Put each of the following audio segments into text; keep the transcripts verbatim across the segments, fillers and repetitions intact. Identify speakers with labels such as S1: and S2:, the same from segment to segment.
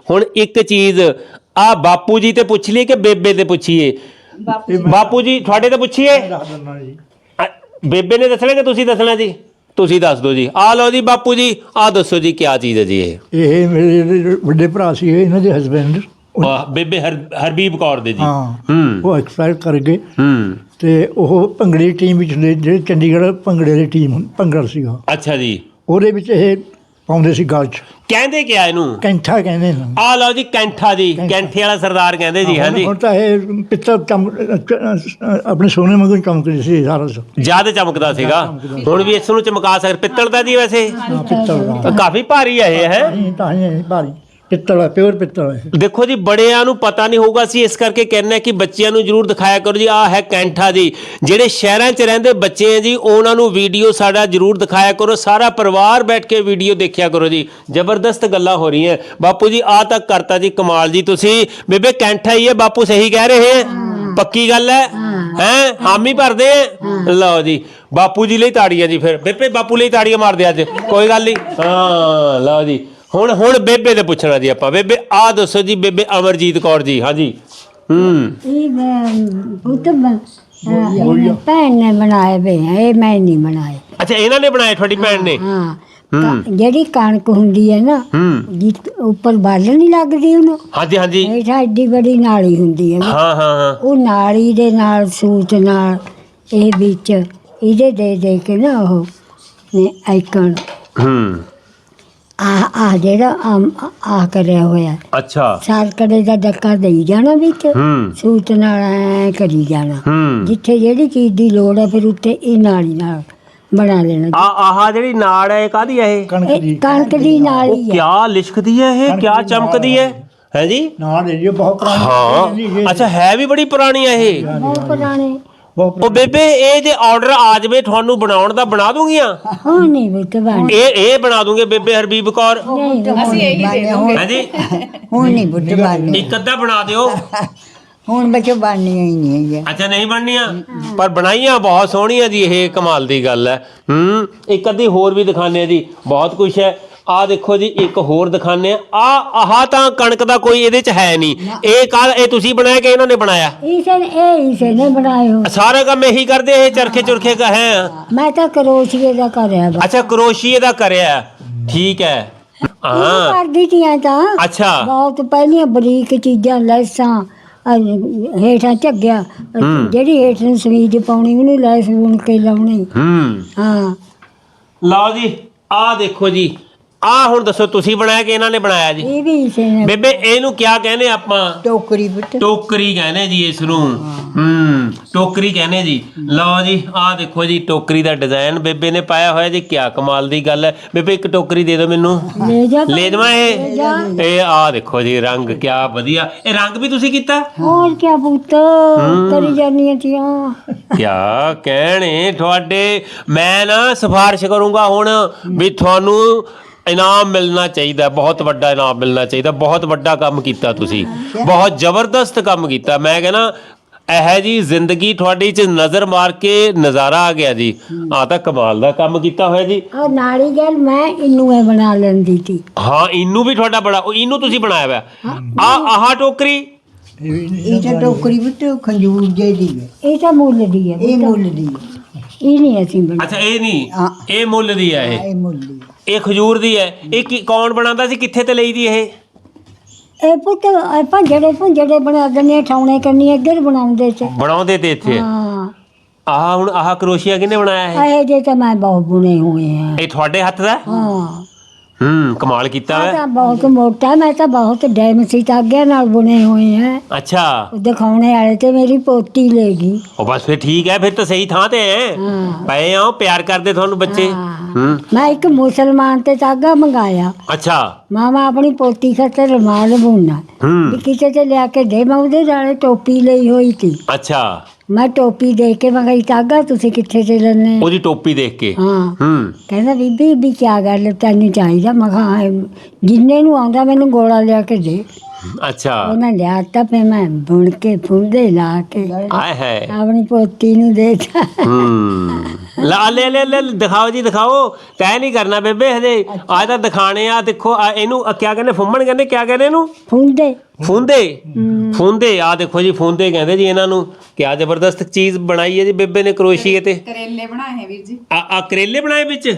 S1: ਹੁਣ ਇੱਕ ਚੀਜ਼ ਆ ਬਾਪੂ ਜੀ ਤੇ ਪੁੱਛ ਲਈਏ ਕਿ ਬੇਬੇ ਤੇ ਪੁੱਛੀਏ? ਬਾਪੂ ਜੀ ਤੁਹਾਡੇ ਤੇ ਪੁੱਛੀਏ? ਬੇਬੇ ਨੇ ਦੱਸਣਾ ਕਿ ਤੁਸੀਂ ਦੱਸਣਾ ਜੀ? ਤੁਸੀਂ ਦੱਸ ਦਿਓ ਜੀ। ਆ ਲਓ ਜੀ ਬਾਪੂ ਜੀ, ਆ ਦੱਸੋ ਜੀ ਕਿਆ ਚੀਜ਼ ਹੈ ਜੀ ਇਹ?
S2: ਇਹ ਮੇਰੇ ਵੱਡੇ ਭਰਾ ਸੀ ਇਹਨਾਂ ਦੇ ਹਸਬੈਂਡ,
S1: ਬੇਬੇ ਹਰ ਹਰਬੀਬ ਕੌਰ ਦੇ ਜੀ।
S2: ਹਾਂ
S1: ਹੂੰ
S2: ਉਹ ਐਕਸਪਾਇਰ ਕਰ ਗਏ।
S1: ਹੂੰ
S2: ਤੇ ਉਹ ਭੰਗੜੇ ਦੀ ਟੀਮ ਵਿੱਚ ਨੇ, ਜਿਹੜੇ ਚੰਡੀਗੜ੍ਹ ਭੰਗੜੇ ਦੀ ਟੀਮ ਭੰਗੜਾ ਸੀਗਾ,
S1: ਅੱਛਾ ਜੀ।
S2: ਉਹਦੇ ਵਿੱਚ ਇਹ ਪਾਉਂਦੇ ਸੀ ਗਲ 'ਚ।
S1: ਕਹਿੰਦੇ ਕਿਆ ਇਹਨੂੰ?
S2: ਕੈਂਠਾ ਕਹਿੰਦੇ ਨੇ।
S1: ਆ ਲਓ ਜੀ ਕੈਂਠਾ ਜੀ, ਕੈਂਠੇ ਵਾਲਾ ਸਰਦਾਰ ਕਹਿੰਦੇ ਜੀ। ਹਾਂਜੀ
S2: ਹੁਣ ਤਾਂ ਇਹ ਪਿੱਤਲ ਚਮ ਆਪਣੇ ਸੋਨੇ ਵਾਂਗੂ ਚਮਕਦੀ ਸੀ ਸਾਰਾ।
S1: ਜ਼ਿਆਦਾ ਚਮਕਦਾ ਸੀਗਾ, ਹੁਣ ਵੀ ਇਸ ਨੂੰ ਚਮਕਾ ਸਕਦੇ। ਪਿੱਤਲ ਦਾ ਜੀ ਵੈਸੇ
S2: ਪਿੱਤਲ ਦਾ
S1: ਕਾਫੀ ਭਾਰੀ ਹੈ ਇਹ। ਹੈ
S2: ਤਾਂ ਹੀ ਭਾਰੀ ਪਿੱਤਲ ਹੈ, ਪਿਓਰ ਪਿੱਤਲ ਹੈ।
S1: ਦੇਖੋ ਜੀ ਬੜਿਆਂ ਨੂੰ ਪਤਾ ਨਹੀਂ ਹੋਊਗਾ, ਅਸੀਂ ਇਸ ਕਰਕੇ ਕਹਿੰਦੇ ਹਾਂ ਕਿ ਬੱਚਿਆਂ ਨੂੰ ਜ਼ਰੂਰ ਦਿਖਾਇਆ ਕਰੋ ਜੀ। ਆਹ ਹੈ ਕੈਂਠਾ ਜੀ। ਜਿਹੜੇ ਸ਼ਹਿਰਾਂ 'ਚ ਰਹਿੰਦੇ ਬੱਚੇ ਹੈ ਜੀ, ਉਹਨਾਂ ਨੂੰ ਵੀਡੀਓ ਸਾਡਾ ਜ਼ਰੂਰ ਦਿਖਾਇਆ ਕਰੋ। ਸਾਰਾ ਪਰਿਵਾਰ ਬੈਠ ਕੇ ਵੀਡੀਓ ਦੇਖਿਆ ਕਰੋ ਜੀ। ਜ਼ਬਰਦਸਤ ਗੱਲਾਂ ਹੋ ਰਹੀਆਂ। ਬਾਪੂ ਜੀ ਆ ਤੱਕ ਕਰਤਾ ਜੀ, ਕਮਾਲ ਜੀ। ਤੁਸੀਂ ਬੇਬੇ ਕੈਂਠਾ ਹੀ ਹੈ, ਬਾਪੂ ਸਹੀ ਕਹਿ ਰਹੇ ਹੈ? ਪੱਕੀ ਗੱਲ ਹੈ? ਹੈ ਹਾਮੀ ਭਰਦੇ ਹੈ? ਲਓ ਜੀ ਬਾਪੂ ਜੀ ਲਈ ਤਾੜੀਆਂ ਜੀ। ਫਿਰ ਬੇਬੇ ਬਾਪੂ ਲਈ ਤਾੜੀਆਂ ਮਾਰਦੇ ਅੱਜ, ਕੋਈ ਗੱਲ ਨਹੀਂ। ਹਾਂ ਲਓ ਜੀ। ਹੁਣ ਹੁਣ ਬੇਬੇ ਦੇ ਪੁੱਛਣਾ ਜੀ ਆਪਾਂ। ਬੇਬੇ ਆ ਦੱਸੋ ਜੀ, ਬੇਬੇ ਅਮਰਜੀਤ ਕੌਰ ਜੀ। ਹਾਂਜੀ ਹੂੰ
S3: ਇਹ ਪੁੱਤ ਭੈਣ ਨੇ ਬਣਾਏ ਵੇ, ਇਹ ਮੈਂ ਨਹੀਂ ਬਣਾਏ।
S1: ਅੱਛਾ ਇਹਨਾਂ ਨੇ ਬਣਾਏ, ਤੁਹਾਡੀ ਭੈਣ ਨੇ?
S3: ਹਾਂ ਜਿਹੜੀ ਕਣਕ ਹੁੰਦੀ ਹੈ ਨਾ,
S1: ਹੂੰ
S3: ਜਿ ਉੱਪਰ ਬਾਲ ਨਹੀਂ ਲੱਗਦੀ ਉਹਨੂੰ,
S1: ਹਾਂਜੀ ਹਾਂਜੀ
S3: ਇਹ ਐਡੀ ਬੜੀ ਨਾਲੀ ਹੁੰਦੀ ਹੈ ਨਾ,
S1: ਹਾਂ ਹਾਂ ਹਾਂ
S3: ਉਹ ਨਾਲੀ ਦੇ ਨਾਲ ਸੂਤ ਨਾਲ ਇਹ ਵਿੱਚ ਇਹਦੇ ਦੇ ਦੇ ਕੇ ਨਾ ਉਹ ਨੇ ਆਈਕਨ
S1: ਹੂੰ
S3: ਆ ਆ ਜਿਹੜਾ ਆ ਕਰਿਆ ਹੋਇਆ
S1: ਅੱਛਾ
S3: ਸਾਰਕੜੇ ਦਾ ਡੱਕਾ ਦੇਈ ਜਾਣਾ ਵਿੱਚ,
S1: ਹੂੰ
S3: ਸੂਤ ਨਾਲ ਐ ਕਰੀ ਜਾਣਾ।
S1: ਹੂੰ
S3: ਜਿੱਥੇ ਜਿਹੜੀ ਚੀਜ਼ ਦੀ ਲੋੜ ਹੈ ਫਿਰ ਉੱਤੇ ਇਹ ਨਾਲੀ ਨਾਲ ਬਣਾ ਲੈਣਾ।
S1: ਆ ਆਹ ਜਿਹੜੀ ਨਾੜ ਹੈ ਇਹ ਕਾਹਦੀ ਹੈ? ਇਹ
S2: ਕਣਕ
S3: ਇਹ
S2: ਦੀ
S3: ਕਣਕ ਦੀ ਨਾਲੀ ਹੈ।
S1: ਕਿਆ ਲਿਸ਼ਕਦੀ ਹੈ ਇਹ, ਕਿਆ ਚਮਕਦੀ ਹੈ? ਹੈ ਜੀ
S2: ਨਾਲ ਇਹ ਬਹੁਤ ਪੁਰਾਣੀ
S1: ਹਾਂ। ਅੱਛਾ ਹੈ ਵੀ ਬੜੀ ਪੁਰਾਣੀ ਹੈ ਇਹ।
S3: ਬਹੁਤ ਪੁਰਾਣੇ।
S2: ਬਹੁਤ
S1: ਉਹ ਬੇਬੇ ਇਹ ਜੇ ਆਰਡਰ ਆ ਜਾਵੇ ਤੁਹਾਨੂੰ ਬਣਾਉਣ ਦਾ, ਬਣਾ ਦੂੰਗੀਆਂ?
S3: ਹਾਂ ਨਹੀਂ ਵੀ ਬਣ
S1: ਇਹ ਇਹ ਬਣਾ ਦੂੰਗੇ ਬੇਬੇ ਹਰਬੀਬ ਕੌਰ?
S3: ਅਸੀਂ ਇਹੀ
S1: ਹੈ ਜੀ।
S3: ਹੁਣ ਨਹੀਂ ਬੁੱਢ ਬਣਨੀ,
S1: ਇੱਕ ਅੱਧਾ ਬਣਾ ਦਿਓ।
S3: ਹੁਣ ਬੱਚੋ ਬਣਨੀ ਹੀ ਨਹੀਂ ਹੈ।
S1: ਅੱਛਾ ਨਹੀਂ ਬਣਨੀਆਂ, ਪਰ ਬਣਾਈਆਂ ਬਹੁਤ ਸੋਹਣੀਆਂ ਜੀ। ਇਹ ਕਮਾਲ ਦੀ ਗੱਲ ਹੈ। ਹੂੰ ਇੱਕ ਅੱਧੀ ਹੋਰ ਵੀ ਦਿਖਾਉਂਦੇ ਆ ਜੀ, ਬਹੁਤ ਕੁਛ ਹੈ। ਆ ਦੇਖੋ ਜੀ ਇੱਕ ਹੋਰ ਦਿਖਾਉਂਦੇ ਆ। ਆ ਆਹ ਤਾਂ ਕਣਕ ਦਾ ਕੋਈ ਇਹਦੇ ਚ ਹੈ ਨਹੀਂ। ਇਹ ਕੱਲ ਇਹ ਤੁਸੀਂ ਬਣਾਇਆ ਕਿ ਇਹਨਾਂ ਨੇ ਬਣਾਇਆ?
S3: ਇਸੇ ਨੇ ਇਹ ਇਸੇ ਨੇ ਬਣਾਏ ਹੋ।
S1: ਸਾਰਾ ਕੰਮ ਇਹੀ ਕਰਦੇ ਇਹ ਚਰਖੇ ਚੁਰਖੇ ਕਾ ਹੈ?
S3: ਮੈਂ ਤਾਂ ਕਰੋਸ਼ੀਏ ਦਾ ਕਰਿਆ ਵਾ।
S1: ਅੱਛਾ ਕਰੋਸ਼ੀਏ ਦਾ ਕਰਿਆ, ਠੀਕ ਹੈ। ਹਾਂ
S3: ਕਰਦੀ ਤੀਆਂ ਤਾਂ
S1: ਅੱਛਾ
S3: ਬਹੁਤ ਪਹਿਲੀਆਂ ਬਰੀਕ ਚੀਜ਼ਾਂ, ਲੈਸਾਂ ਹੇਠਾਂ ਝੱਗਿਆ, ਜਿਹੜੀ ਹੇਠ ਨੂੰ ਸਵੀਜ ਪਾਉਣੀ ਉਹਨੂੰ ਲੈਸ ਬੁਣ ਕੇ ਲਾਉਣੀ।
S1: ਹੂੰ
S3: ਹਾਂ
S1: ਲਓ ਜੀ ਆ ਦੇਖੋ ਜੀ। ਆ ਹੁਣ ਦੱਸੋ ਤੁਸੀਂ ਬਣਾਇਆ ਕਿ ਇਹਨਾਂ ਨੇ ਬਣਾਇਆ ਜੀ?
S3: ਇਹ ਵੀ ਇਸੇ ਨੇ।
S1: ਬੇਬੇ ਇਹਨੂੰ ਕਿਆ ਕਹਿੰਦੇ ਆਪਾਂ?
S3: ਟੋਕਰੀ ਬੁੱਟ
S1: ਟੋਕਰੀ ਕਹਿੰਦੇ ਜੀ ਇਸ ਨੂੰ। ਹੂੰ ਟੋਕਰੀ ਕਹਿੰਦੇ ਜੀ। ਲਓ ਜੀ ਆ ਦੇਖੋ ਜੀ ਟੋਕਰੀ ਦਾ ਡਿਜ਼ਾਈਨ ਬੇਬੇ ਨੇ ਪਾਇਆ ਹੋਇਆ ਜੀ। ਕਿਆ ਕਮਾਲ ਦੀ ਗੱਲ ਹੈ। ਬੇਬੇ ਇੱਕ ਟੋਕਰੀ ਦੇ ਦਿਓ ਮੈਨੂੰ।
S3: ਲੈ ਜਾ
S1: ਲੈ ਜਾਵਾਂ ਇਹ? ਇਹ ਆ ਦੇਖੋ ਜੀ ਰੰਗ ਕਿਆ ਵਧੀਆ। ਇਹ ਰੰਗ ਵੀ ਤੁਸੀਂ ਕੀਤਾ?
S3: ਹੋਰ ਕਿਆ ਪੁੱਤ ਕਰੀ ਜਾਨੀਆਂ ਤੀਆਂ।
S1: ਕਿਆ ਕਹਿਣੇ ਤੁਹਾਡੇ। ਮੈਂ ਨਾ ਸਿਫਾਰਿਸ਼ ਕਰੂੰਗਾ ਹੁਣ ਵੀ ਤੁਹਾਨੂੰ ਇਨਾਮ ਮਿਲਣਾ ਚਾਹੀਦਾ, ਬਹੁਤ ਵੱਡਾ ਇਨਾਮ ਮਿਲਣਾ ਚਾਹੀਦਾ। ਬਹੁਤ ਵੱਡਾ ਕੰਮ ਕੀਤਾ ਤੁਸੀਂ, ਬਹੁਤ ਜ਼ਬਰਦਸਤ ਕੰਮ ਕੀਤਾ। ਮੈਂ ਕਹਿੰਦਾ ਇਹ ਜੀ ਜ਼ਿੰਦਗੀ ਤੁਹਾਡੀ ਚ ਨਜ਼ਰ ਮਾਰ ਕੇ ਨਜ਼ਾਰਾ ਆ ਗਿਆ ਜੀ। ਆ ਤਾਂ ਕਮਾਲ ਦਾ ਕੰਮ ਕੀਤਾ ਹੋਇਆ ਜੀ।
S3: ਉਹ ਨਾਲੀ ਗੈਲ ਮੈਂ ਇਹਨੂੰ ਇਹ ਬਣਾ ਲੈਂਦੀ ਸੀ।
S1: ਹਾਂ ਇਹਨੂੰ ਵੀ ਤੁਹਾਡਾ ਬੜਾ, ਉਹ ਇਹਨੂੰ ਤੁਸੀਂ ਬਣਾਇਆ ਹੋਇਆ। ਆ ਆਹ ਟੋਕਰੀ
S4: ਇਹ ਤਾਂ ਟੋਕਰੀ ਵਿੱਚ ਖੰਜੂਰ ਜਿਹੀ ਹੈ।
S3: ਇਹ ਤਾਂ ਮੁੱਲ ਦੀ ਹੈ।
S4: ਇਹ ਮੁੱਲ ਦੀ ਹੈ।
S3: ਇਹ ਨਹੀਂ ਅਸੀਂ ਬਣਾ।
S1: ਅੱਛਾ ਇਹ ਨਹੀਂ, ਇਹ ਮੁੱਲ ਦੀ ਹੈ। ਇਹ
S4: ਇਹ ਮੁੱਲ ਦੀ ਹੈ।
S1: ਇਹ ਖਜੂਰ ਦੀ ਹੈ। ਇਹ ਕੀ ਕੌਣ ਬਣਾਉਂਦਾ ਸੀ, ਕਿੱਥੇ ਤੇ ਲਈ ਦੀ ਇਹ?
S3: ਇਹ ਪੁੱਤ ਭੰਜੜੇ ਭੰਜੜੇ ਬਣਾ ਦਿੰਦੇ, ਠਾਉਣੇ ਕਰਨੀ ਇੱਧਰ ਬਣਾਉਂਦੇ ਸੀ।
S1: ਬਣਾਉਂਦੇ ਤੇ ਇੱਥੇ।
S3: ਹਾਂ
S1: ਆਹ ਹੁਣ ਆਹ ਕਰੋਸ਼ੀਆ ਕਿਹਨੇ ਬਣਾਇਆ ਹੈ?
S3: ਇਹ ਜੇ ਤਾਂ ਮੈਂ ਬਹੁਤ ਬੁਣੇ ਹੋਏ ਆ।
S1: ਇਹ ਤੁਹਾਡੇ ਹੱਥ ਦਾ?
S3: ਹਾਂ
S1: ਹੂੰ ਕਮਾਲ ਕੀਤਾ
S3: ਮੈਂ
S1: ਵਾ।
S3: ਤਾਂ ਬਹੁਤ ਮੋਟਾ, ਮੈਂ ਤਾਂ ਬਹੁਤ ਡੈਮਸੀ ਧਾਗਿਆਂ ਨਾਲ ਬੁਣੇ ਹੋਏ ਆ।
S1: ਅੱਛਾ
S3: ਉਹ ਦਿਖਾਉਣੇ ਵਾਲੇ ਤੇ ਮੇਰੀ ਪੋਤੀ ਲੈ ਗਈ।
S1: ਉਹ ਬਸ ਫਿਰ ਠੀਕ ਹੈ, ਫਿਰ ਤਾਂ ਸਹੀ ਥਾਂ ਤੇ ਹੈ।
S3: ਹਾਂ
S1: ਪਏ ਆ ਪਿਆਰ ਕਰਦੇ ਤੁਹਾਨੂੰ ਬੱਚੇ।
S3: ਹਾਂ।
S1: ਹੂੰ
S3: ਮੈਂ ਇੱਕ ਮੁਸਲਮਾਨ ਤੇ ਧਾਗਾ ਮੰਗਾਇਆ।
S1: ਅੱਛਾ
S3: ਮਾਮਾ ਆਪਣੀ ਪੋਤੀ ਖਾਤਰ ਰੁਮਾਲ ਬੁਣਨਾ ਵੀ
S1: ਹੂੰ
S3: ਕਿਸੇ ਤੇ ਲਿਆ ਕੇ ਦੇ। ਮੈਂ ਉਹਦੇ ਨਾਲੇ ਟੋਪੀ ਲਈ ਹੋਈ ਸੀ।
S1: ਅੱਛਾ
S3: ਮੈਂ ਟੋਪੀ ਦੇ ਕੇ ਮੈਂ ਕਿਹਾ ਧਾਗਾ ਤੁਸੀਂ ਕਿੱਥੇ ਤੇ ਲੈਣੇ?
S1: ਉਹਦੀ ਟੋਪੀ ਦੇਖ ਕੇ।
S3: ਹਾਂ
S1: ਹੂੰ
S3: ਕਹਿੰਦਾ ਬੀਬੀ ਵੀ ਕਿਆ ਗੱਲ ਤੈਨੂੰ ਚਾਹੀਦਾ? ਮੈਂ ਕਿਹਾ ਹਾਂ, ਜਿੰਨੇ ਨੂੰ ਆਉਂਦਾ ਮੈਨੂੰ ਗੋਲਾ ਲਿਆ ਕੇ ਦੇ।
S1: ਅੱਛਾ
S3: ਉਹਨਾਂ ਲਿਆ ਤਾਂ ਫੇ ਮੈਂ ਬੁਣ ਕੇ ਫੁੰਦੇ ਲਾ ਕੇ
S1: ਆਏ ਹੈ
S3: ਆਪਣੀ ਪੋਤੀ ਨੂੰ ਦੇਤਾ।
S1: ਹੂੰ ਲਾ ਲੈ ਲੈ ਲੈ ਦਿਖਾਓ ਜੀ ਦਿਖਾਓ, ਤੈਅ ਨਹੀਂ ਕਰਨਾ ਬੇਬੇ ਹਜੇ, ਅੱਜ ਤਾਂ ਦਿਖਾਣੇ ਆ। ਦੇਖੋ ਆ ਇਹਨੂੰ ਆ ਕਿਆ ਕਹਿੰਦੇ, ਫੁੰਮਣ ਕਹਿੰਦੇ, ਕਿਆ ਕਹਿੰਦੇ ਇਹਨੂੰ?
S3: ਫੁੰਦੇ
S1: ਫੂੰਦੇ ਫੂੰਦੇ ਆ ਦੇਖੋ ਜੀ, ਫੂੰਦੇ ਕਹਿੰਦੇ ਜੀ ਇਹਨਾਂ ਨੂੰ। ਕਿਆ ਜ਼ਬਰਦਸਤ ਚੀਜ਼ ਬਣਾਈ ਹੈ ਜੀ ਬੇਬੇ ਨੇ ਕਰੋਸ਼ੀਏ ਤੇ।
S5: ਕਰੇਲੇ ਬਣਾਏ ਹੈ ਵੀਰ ਜੀ।
S1: ਆ ਆ ਕਰੇਲੇ ਬਣਾਏ ਵਿੱਚ?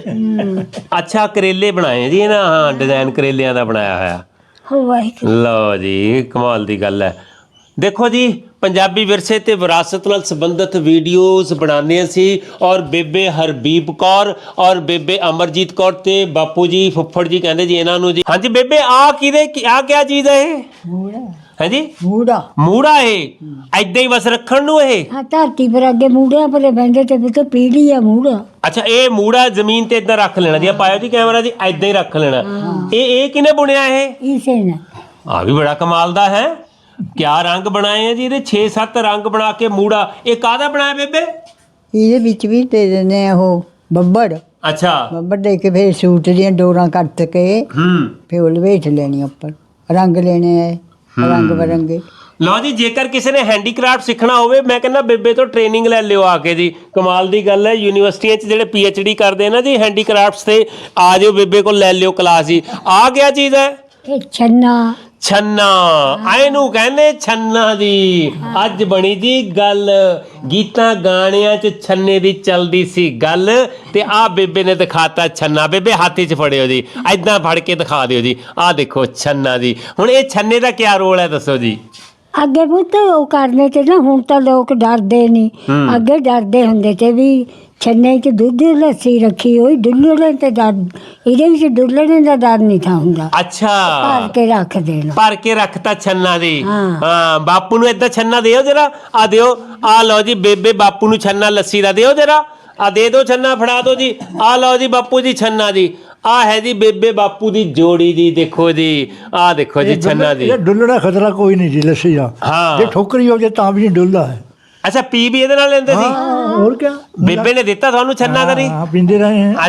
S1: ਅੱਛਾ ਕਰੇਲੇ ਬਣਾਏ ਜੀ ਇਹਨਾਂ, ਹਾਂ ਡਿਜ਼ਾਈਨ ਕਰੇਲਿਆਂ ਦਾ ਬਣਾਇਆ ਹੋਇਆ।
S3: ਵਾਹਿਗੁਰੂ
S1: ਲਓ ਜੀ ਕਮਾਲ ਦੀ ਗੱਲ ਹੈ। ਦੇਖੋ ਜੀ ਪੰਜਾਬੀ ਵਿਰਸੇ ਤੇ ਵਿਰਾਸਤ ਨਾਲ ਸੰਬੰਧਿਤ ਵੀਡੀਓਜ਼ ਬਣਾਉਂਦੇ ਸੀ, ਔਰ ਬੇਬੇ ਹਰਬੀਬ ਕੌਰ ਔਰ ਬੇਬੇ ਅਮਰਜੀਤ ਕੌਰ ਤੇ ਬਾਪੂ ਜੀ ਫੁੱਫੜ ਜੀ ਕਹਿੰਦੇ ਜੀ ਇਹਨਾਂ ਨੂੰ ਜੀ। ਹਾਂਜੀ ਬੇਬੇ ਆ ਕਿਹਦੇ ਆ ਕਿਆ ਚੀਜ਼ ਹੈ ਇਹ?
S4: ਮੂੜਾ
S1: ਹਾਂਜੀ
S4: ਮੂੜਾ
S1: ਮੂੜਾ ਇਹ ਐਦਾਂ ਹੀ ਬਸ ਰੱਖਣ ਨੂੰ ਇਹ?
S3: ਹਾਂ ਧਰਤੀ ਪਰ ਅੱਗੇ ਮੂੜਿਆਂ ਪਰ ਬੈਂਦੇ ਤੇ ਵੀ ਪੀੜੀ ਆ ਮੂੜਾ।
S1: ਅੱਛਾ ਇਹ ਮੂੜਾ ਜ਼ਮੀਨ ਤੇ ਇਦਾਂ ਰੱਖ ਲੈਣਾ ਜੀ, ਪਾਇਓ ਜੀ ਕੈਮਰਾ ਜੀ, ਐਦਾਂ ਹੀ ਰੱਖ ਲੈਣਾ। ਇਹ ਇਹ ਕਿਹਨੇ ਬੁਣਿਆ ਇਹ?
S3: ਇਸੇ ਨੇ
S1: ਆ ਵੀ ਬੜਾ ਕਮਾਲ ਦਾ ਹੈ। ਕਿਆ ਰੰਗ ਬਣਾਏ ਆ ਜੀ ਇਹਦੇ, ਛੇ ਸੱਤ ਰੰਗ ਬਣਾ ਕੇ ਮੂੜਾ। ਇਹ ਕਾਹਦਾ ਬਣਾਇਆ ਬੇਬੇ?
S4: ਇਹਦੇ ਵਿੱਚ ਵੀ ਦੇ ਦਿੰਦੇ ਆ ਉਹ ਬੱਬੜ
S1: ਅੱਛਾ
S4: ਬੱਬੜ ਦੇ ਕੇ ਫਿਰ ਸੂਟ ਦੀਆਂ ਡੋਰਾਂ ਕੱਟ ਕੇ
S1: ਹੂੰ
S4: ਫਿਰ ਉਹ ਲਵੇਟ ਲੈਣੀ ਉੱਪਰ, ਰੰਗ ਲੈਣੇ ਆ ਰੰਗ ਬਰੰਗੇ।
S1: ਲਓ ਜੀ ਜੇਕਰ ਕਿਸੇ ਨੇ ਹੈਂਡੀਕ੍ਰਾਫਟ ਸਿੱਖਣਾ ਹੋਵੇ, ਮੈਂ ਕਹਿੰਦਾ ਬੇਬੇ ਤੋਂ ਟ੍ਰੇਨਿੰਗ ਲੈ ਲਿਓ ਆ ਕੇ ਜੀ। ਕਮਾਲ ਦੀ ਗੱਲ ਹੈ, ਯੂਨੀਵਰਸਿਟੀਆਂ 'ਚ ਜਿਹੜੇ ਪੀ ਐਚ ਡੀ ਕਰਦੇ ਆ ਨਾ ਜੀ ਹੈਂਡੀਕ੍ਰਾਫਟਸ ਤੇ, ਆ ਜਾਓ ਬੇਬੇ ਕੋਲ ਲੈ ਲਿਓ ਕਲਾਸ ਜੀ। ਆ ਗਿਆ ਚੀਜ਼ ਹੈ
S3: ਇਹ ਛੰਨਾ
S1: ਛੰਨਾ, ਇਹਨੂੰ ਕਹਿੰਦੇ ਛੰਨਾ ਜੀ। ਅੱਜ ਬਣੀ ਜੀ ਗੱਲ, ਗੀਤਾਂ ਗਾਣਿਆਂ 'ਚ ਛੰਨੇ ਦੀ ਚੱਲਦੀ ਸੀ ਗੱਲ, ਤੇ ਆ ਬੇਬੇ ਨੇ ਦਿਖਾਤਾ ਛੰਨਾ। ਬੇਬੇ ਹੱਥ 'ਚ ਫੜਿਓ ਜੀ, ਐਦਾਂ ਫੜ ਕੇ ਦਿਖਾ ਦਿਓ ਜੀ, ਆਹ ਦੇਖੋ ਛੰਨਾ ਜੀ। ਹੁਣ ਇਹ ਛੰਨੇ ਦਾ ਕਿਆ ਰੋਲ ਹੈ ਦੱਸੋ ਜੀ?
S3: ਅੱਗੇ ਪੁੱਤ ਉਹ ਕਰਨੇ ਤੇ ਨਾ, ਹੁਣ ਤਾਂ ਲੋਕ ਡਰਦੇ ਨਹੀਂ, ਅੱਗੇ ਡਰਦੇ ਹੁੰਦੇ ਤੇ ਵੀ ਛੰਨੇ 'ਚ ਦੁੱਧ ਲੱਸੀ ਰੱਖੀ ਹੋਈ, ਡੁੱਲਣੇ ਤੇ ਡਰ, ਇਹਦੇ ਵਿੱਚ ਡੁੱਲਣੇ ਦਾ ਡਰ ਨਹੀਂ ਥਾ ਹੁੰਦਾ।
S1: ਅੱਛਾ
S3: ਭਰ ਕੇ ਰੱਖ ਦੇਣਾ।
S1: ਭਰ ਕੇ ਰੱਖਤਾ ਛੰਨਾ ਦੀ।
S3: ਹਾਂ।
S1: ਹਾਂ ਬਾਪੂ ਨੂੰ ਏਦਾਂ ਛੰਨਾ ਦਿਓ ਜਰਾ, ਆ ਦਿਓ, ਆ ਲਓ ਜੀ ਬੇਬੇ ਬਾਪੂ ਨੂੰ ਛੰਨਾ ਲੱਸੀ ਦਾ ਦਿਓ ਜਰਾ, ਆ ਦੇ ਦਿਓ ਛੰਨਾ, ਫੜਾ ਦਿਓ ਜੀ, ਆ ਲਓ ਜੀ ਬਾਪੂ ਜੀ ਛੰਨਾ ਜੀ। ਆ ਹੈ ਜੀ ਬੇਬੇ ਬਾਪੂ ਦੀ ਜੋੜੀ ਜੀ, ਦੇਖੋ ਜੀ, ਆ ਦੇਖੋ ਜੀ ਛੰਨਾ ਜੀ।
S2: ਇਹ ਡੁੱਲਣਾ ਖਤਰਾ ਕੋਈ ਨਹੀਂ ਜੀ ਲੱਸੀ ਦਾ।
S1: ਹਾਂ।
S2: ਜੇ ਠੋਕਰੀ ਹੋ ਜੇ ਤਾਂ ਵੀ ਨਹੀਂ ਡੁੱਲਦਾ ਹੈ।
S1: ਅੱਛਾ ਪੀ ਵੀ ਇਹਦੇ ਨਾਲ ਲੈਂਦੇ ਸੀ?
S2: ਹਾਂ ਹੋਰ ਕਿਆ,
S1: ਬੇਬੇ ਨੇ ਦਿੱਤਾ ਤੁਹਾਨੂੰ ਛੰਨਾ ਕਰੀ?
S2: ਹਾਂ ਪੀਂਦੇ ਰਹੇ हैं।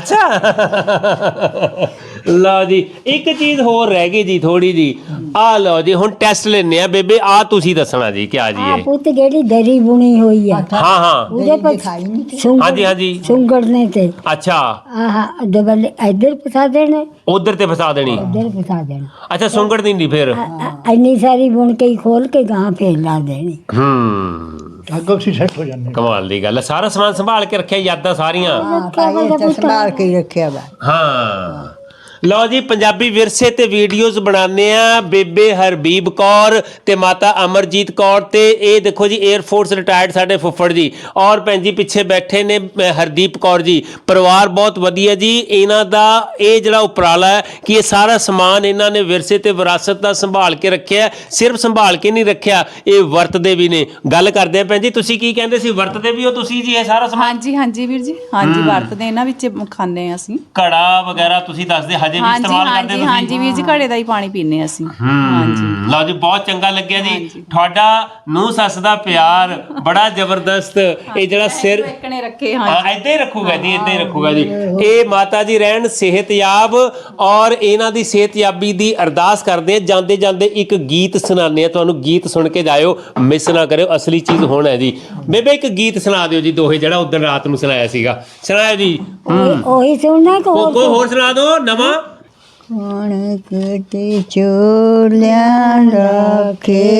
S1: ਅੱਛਾ ਲਓ ਜੀ ਇੱਕ ਚੀਜ਼ ਹੋਰ ਰਹਿ ਗਈ ਜੀ ਥੋੜੀ ਜੀ, ਆ ਲਓ ਜੀ ਹੁਣ ਟੈਸਟ ਲੈਣੇ ਆ ਬੇਬੇ, ਆ ਤੁਸੀਂ ਦੱਸਣਾ ਜੀ ਕਿਆ ਜੀ
S3: ਆ
S1: ਇਹ?
S3: ਪੁੱਤ ਜਿਹੜੀ ਦਰੀ ਬੁਣੀ ਹੋਈ ਆ,
S1: ਹਾਂ ਹਾਂ
S3: ਉਹਦੇ ਪਰ
S1: ਹਾਂਜੀ ਹਾਂਜੀ
S3: ਸੁੰਗੜਨੇ ਤੇ
S1: ਅੱਛਾ
S3: ਆਹ ਡਬਲ ਇੱਧਰ ਫਸਾ ਦੇਣੇ,
S1: ਉਧਰ ਤੇ ਫਸਾ ਦੇਣੀ।
S3: ਇੱਧਰ ਫਸਾ ਦੇਣਾ।
S1: ਅੱਛਾ ਸੁੰਗੜ ਦਿੰਦੀ ਫਿਰ?
S3: ਅ- ਅ- ਇੰਨੀ ਸਾਰੀ ਬੁਣ ਕੇ ਹੀ ਖੋਲ ਕੇ ਗਾਂ ਫੇਰ ਲਾ ਦੇਣੀ।
S1: ਹੂੰ
S2: ਅੱਗੋਂ ਅਸੀਂ ਸੈੱਟ ਹੋ ਜਾਂਦੇ।
S1: ਕਮਾਲ ਦੀ ਗੱਲ ਹੈ, ਸਾਰਾ ਸਮਾਨ ਸੰਭਾਲ ਕੇ ਰੱਖਿਆ, ਯਾਦਾਂ ਸਾਰੀਆਂ।
S4: ਹਾਂ ਕਾਇ ਤਾਂ ਸੰਭਾਲ ਕੇ ਹੀ ਰੱਖਿਆ ਵਾ।
S1: ਹਾਂ ਲਓ ਜੀ ਪੰਜਾਬੀ ਵਿਰਸੇ ਤੇ ਵੀਡੀਓਜ਼ ਬਣਾਉਂਦੇ ਆ ਬੇਬੇ ਹਰਬੀਬ ਕੌਰ ਤੇ ਮਾਤਾ ਅਮਰਜੀਤ ਕੌਰ, ਤੇ ਇਹ ਦੇਖੋ ਜੀ 에ਅਰ ਫੋਰਸ ਰਿਟਾਇਰਡ ਸਾਡੇ ਫੁੱਫੜ ਜੀ, ਔਰ ਭੈਣ ਜੀ ਪਿੱਛੇ ਬੈਠੇ ਨੇ ਅ, ਹਰਦੀਪ ਕੌਰ ਜੀ। ਪਰਿਵਾਰ ਬਹੁਤ ਵਧੀਆ ਜੀ ਇਹਨਾਂ ਦਾ। ਇਹ ਜਿਹੜਾ ਉਪਰਾਲਾ ਹੈ ਕਿ ਇਹ ਸਾਰਾ ਸਮਾਨ ਇਹਨਾਂ ਨੇ ਵਿਰਸੇ ਤੇ ਵਿਰਾਸਤ ਦਾ ਸੰਭਾਲ ਕੇ ਰੱਖਿਆ। ਸਿਰਫ ਸੰਭਾਲ ਕੇ ਨਹੀਂ ਰੱਖਿਆ, ਇਹ ਵਰਤਦੇ ਵੀ ਨੇ। ਗੱਲ ਕਰਦੇ ਆ ਭੈਣ ਜੀ, ਤੁਸੀਂ ਕੀ ਕਹਿੰਦੇ ਸੀ, ਵਰਤਦੇ ਵੀ ਹੋ ਤੁਸੀਂ ਜੀ ਇਹ ਸਾਰਾ ਸਮਾਨ?
S5: ਹਾਂਜੀ ਹਾਂਜੀ ਵੀਰ ਜੀ, ਹਾਂਜੀ ਵਰਤਦੇ ਇਹਨਾਂ ਵਿੱਚ ਖਾਂਦੇ ਆ ਅਸੀਂ।
S1: ਘੜਾ ਵਗੈਰਾ ਤੁਸੀਂ ਦੱਸਦੇ ਹਜੇ ਵੀ
S5: ਹਾਂਜੀ
S1: ਇਸਤੇਮਾਲ ਕਰਦੇ
S5: ਹਾਂਜੀ
S1: ਤੁਸੀਂ?
S5: ਹਾਂਜੀ ਵੀਰ ਜੀ ਘੜੇ ਦਾ ਹੀ ਪਾਣੀ ਪੀਂਦੇ ਅਸੀਂ।
S1: ਹਾਂਜੀ ਲਓ ਜੀ ਬਹੁਤ ਚੰਗਾ ਲੱਗਿਆ ਜੀ ਤੁਹਾਡਾ ਨੂੰਹ ਸੱਸ ਦਾ ਪਿਆਰ ਬੜਾ ਜ਼ਬਰਦਸਤ। ਇਹ ਜਿਹੜਾ ਸਿਰ
S5: ਇੱਕ ਨੇ ਰੱਖੇ।
S1: ਹਾਂ
S5: ਹਾਂ
S1: ਏਦਾਂ ਹੀ ਰੱਖੂਗਾ ਜੀ, ਏਦਾਂ ਹੀ ਰੱਖੂਗਾ ਜੀ। ਇਹ ਮਾਤਾ ਜੀ ਰਹਿਣ ਸਿਹਤਯਾਬ, ਔਰ ਇਹਨਾਂ ਦੀ ਸਿਹਤਯਾਬੀ ਦੀ ਅਰਦਾਸ ਕਰਦੇ ਆ। ਜਾਂਦੇ ਜਾਂਦੇ ਇੱਕ ਗੀਤ ਸੁਣਾਉਂਦੇ ਆ ਤੁਹਾਨੂੰ, ਗੀਤ ਸੁਣ ਕੇ ਜਾਇਓ, ਮਿਸ ਨਾ ਕਰਿਓ, ਅਸਲੀ ਚੀਜ਼ ਹੁਣ ਹੈ ਜੀ। ਬੇਬੇ ਇੱਕ ਗੀਤ ਸੁਣਾ ਦਿਓ ਜੀ, ਦੋਹੇ ਜਿਹੜਾ ਉਦੋਂ ਰਾਤ ਨੂੰ ਸੁਣਾਇਆ ਸੀਗਾ, ਸੁਣਾਇਆ ਜੀ।
S3: ਉਹੀ- ਉਹੀ ਸੁਣਨਾ ਕਿ ਹੋਰ
S1: ਕੋਈ ਹੋਰ ਸੁਣਾ ਦਿਓ ਨਵਾਂ।
S4: ਹੁਣ ਕਿਤੇ ਚੋਲਿਆਂ ਦਾ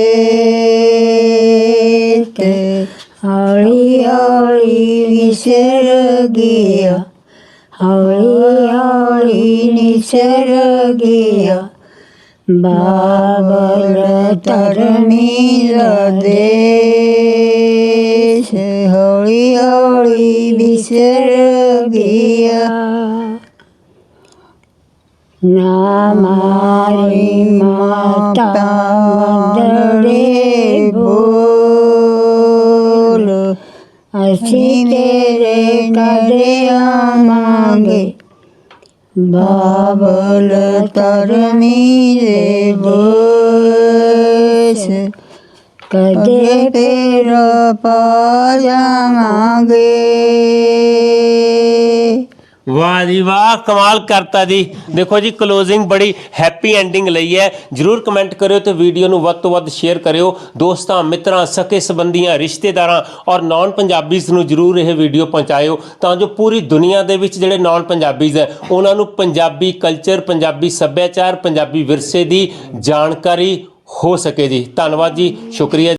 S4: ਖੇਤ ਹੌਲੀ ਹੌਲੀ ਵਿਸਰ ਗਿਆ, ਹੌਲੀ ਹੌਲੀ ਨਿਸਰ ਗਿਆ, ਬਾਬਲ ਧਰਮੀ ਦਾ ਦੇਸ਼ ਹੌਲੀ ਹੌਲੀ ਵਿਸਰ ਗਿਆ।
S3: ਨਾ ਮਾਰੀ ਮਾਤਾ ਮੰਦੜੇ ਬੋਲ, ਅਸੀਂ ਤੇਰੇ ਕਦੇ ਆਵਾਂਗੇ, ਬਾਬਲ ਧਰਮੀ ਦੇ ਬੋਸ, ਕਦੇ ਤੇਰਾ ਪਾ ਜਾਵਾਂਗੇ।
S1: ਵਾਹ ਜੀ ਵਾਹ, ਕਮਾਲ ਕਰਤਾ ਜੀ। ਦੇਖੋ ਜੀ ਕਲੋਜ਼ਿੰਗ ਬੜੀ ਹੈਪੀ ਐਂਡਿੰਗ ਲਈ ਹੈ। ਜਰੂਰ ਕਮੈਂਟ ਕਰਿਓ ਤੇ ਵੀਡੀਓ ਨੂੰ ਵੱਧ ਤੋਂ ਵੱਧ ਸ਼ੇਅਰ ਕਰਿਓ। ਦੋਸਤਾਂ, ਮਿੱਤਰਾਂ, ਸਕੇ ਸੰਬੰਧੀਆਂ, ਰਿਸ਼ਤੇਦਾਰਾਂ ਔਰ ਨਾਨ ਪੰਜਾਬੀਜ਼ ਨੂੰ ਜਰੂਰ ਇਹ ਵੀਡੀਓ ਪਹੁੰਚਾਇਓ ਤਾਂ ਜੋ ਪੂਰੀ ਦੁਨੀਆ ਦੇ ਵਿੱਚ ਜਿਹੜੇ ਨਾਨ ਪੰਜਾਬੀਜ਼ ਹੈ ਉਹਨਾਂ ਨੂੰ ਪੰਜਾਬੀ ਕਲਚਰ, ਪੰਜਾਬੀ ਸੱਭਿਆਚਾਰ, ਪੰਜਾਬੀ ਵਿਰਸੇ ਦੀ ਜਾਣਕਾਰੀ ਹੋ ਸਕੇ ਜੀ। ਧੰਨਵਾਦ ਜੀ, ਸ਼ੁਕਰੀਆ।